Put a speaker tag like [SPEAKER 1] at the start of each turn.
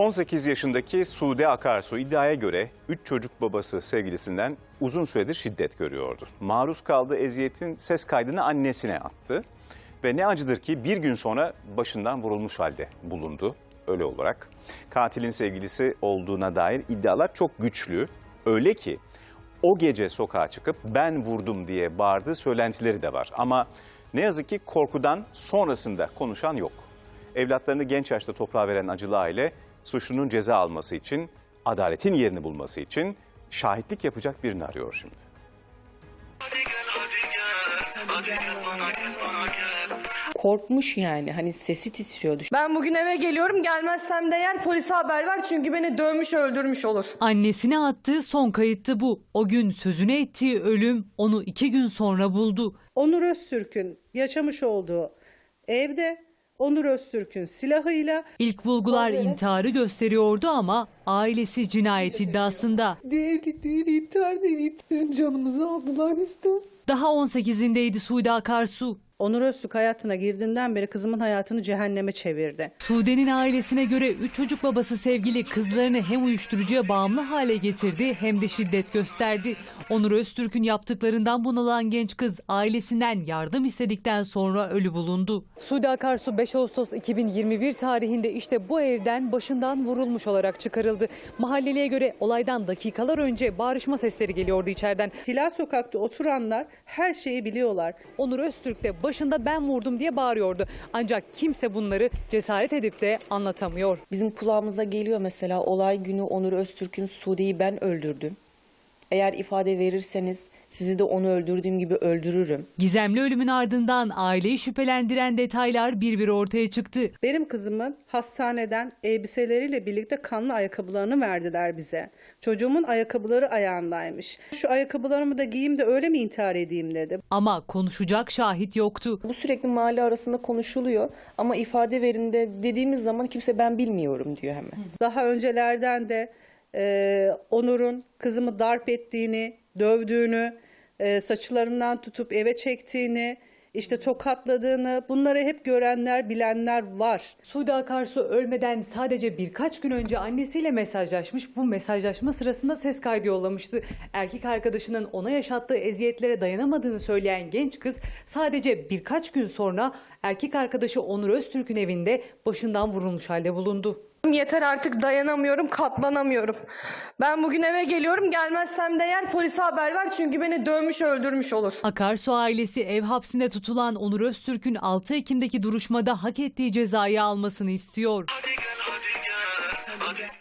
[SPEAKER 1] 18 yaşındaki Sude Akarsu iddiaya göre 3 çocuk babası sevgilisinden uzun süredir şiddet görüyordu. Maruz kaldığı eziyetin ses kaydını annesine attı. Ve ne acıdır ki bir gün sonra başından vurulmuş halde bulundu öyle olarak. Katilin sevgilisi olduğuna dair iddialar çok güçlü. Öyle ki o gece sokağa çıkıp ben vurdum diye bağırdığı söylentileri de var. Ama ne yazık ki korkudan sonrasında konuşan yok. Evlatlarını genç yaşta toprağa veren acılı aile suçlunun ceza alması için, adaletin yerini bulması için şahitlik yapacak birini arıyor şimdi.
[SPEAKER 2] Korkmuş yani, hani sesi titriyordu.
[SPEAKER 3] Ben bugün eve geliyorum, gelmezsem de eğer polise haber ver çünkü beni dövmüş öldürmüş olur.
[SPEAKER 4] Annesine attığı son kayıttı bu. O gün sözüne ettiği ölüm onu 2 gün sonra buldu.
[SPEAKER 5] Onur Öztürk'ün yaşamış olduğu evde Onur Öztürk'ün silahıyla
[SPEAKER 4] İlk bulgular intiharı gösteriyordu ama ailesi cinayet iddiasında.
[SPEAKER 2] Değil, intihar değil. Bizim canımızı aldılar bizden.
[SPEAKER 4] Daha 18'indeydi Sude Akarsu.
[SPEAKER 5] Onur Öztürk hayatına girdiğinden beri kızımın hayatını cehenneme çevirdi.
[SPEAKER 4] Sude'nin ailesine göre 3 çocuk babası sevgili kızlarını hem uyuşturucuya bağımlı hale getirdi hem de şiddet gösterdi. Onur Öztürk'ün yaptıklarından bunalan genç kız ailesinden yardım istedikten sonra ölü bulundu. Sude Akarsu 5 Ağustos 2021 tarihinde işte bu evden başından vurulmuş olarak çıkarıldı. Mahalleliye göre olaydan dakikalar önce bağırışma sesleri geliyordu içeriden.
[SPEAKER 5] Hilal Sokak'ta oturanlar her şeyi biliyorlar.
[SPEAKER 4] Onur Öztürk de başında ben vurdum diye bağırıyordu. Ancak kimse bunları cesaret edip de anlatamıyor.
[SPEAKER 2] Bizim kulağımıza geliyor mesela olay günü Onur Öztürk'ün Sude'yi ben öldürdüm. Eğer ifade verirseniz sizi de onu öldürdüğüm gibi öldürürüm.
[SPEAKER 4] Gizemli ölümün ardından aileyi şüphelendiren detaylar bir bir ortaya çıktı.
[SPEAKER 5] Benim kızımın hastaneden elbiseleriyle birlikte kanlı ayakkabılarını verdiler bize. Çocuğumun ayakkabıları ayağındaymış. Şu ayakkabılarımı da giyeyim de öyle mi intihar edeyim dedi.
[SPEAKER 4] Ama konuşacak şahit yoktu.
[SPEAKER 2] Bu sürekli mahalle arasında konuşuluyor ama ifade verinde dediğimiz zaman kimse ben bilmiyorum diyor hemen.
[SPEAKER 5] Daha öncelerden de Onur'un kızımı darp ettiğini, dövdüğünü, saçlarından tutup eve çektiğini, işte tokatladığını, bunları hep görenler, bilenler var.
[SPEAKER 4] Sude Akarsu ölmeden sadece birkaç gün önce annesiyle mesajlaşmış. Bu mesajlaşma sırasında ses kaydı yollamıştı. Erkek arkadaşının ona yaşattığı eziyetlere dayanamadığını söyleyen genç kız sadece birkaç gün sonra erkek arkadaşı Onur Öztürk'ün evinde başından vurulmuş halde bulundu.
[SPEAKER 3] Yeter artık, dayanamıyorum, katlanamıyorum. Ben bugün eve geliyorum, gelmezsem de eğer polise haber ver çünkü beni dövmüş öldürmüş olur.
[SPEAKER 4] Akarsu ailesi ev hapsinde tutulan Onur Öztürk'ün 6 Ekim'deki duruşmada hak ettiği cezayı almasını istiyor.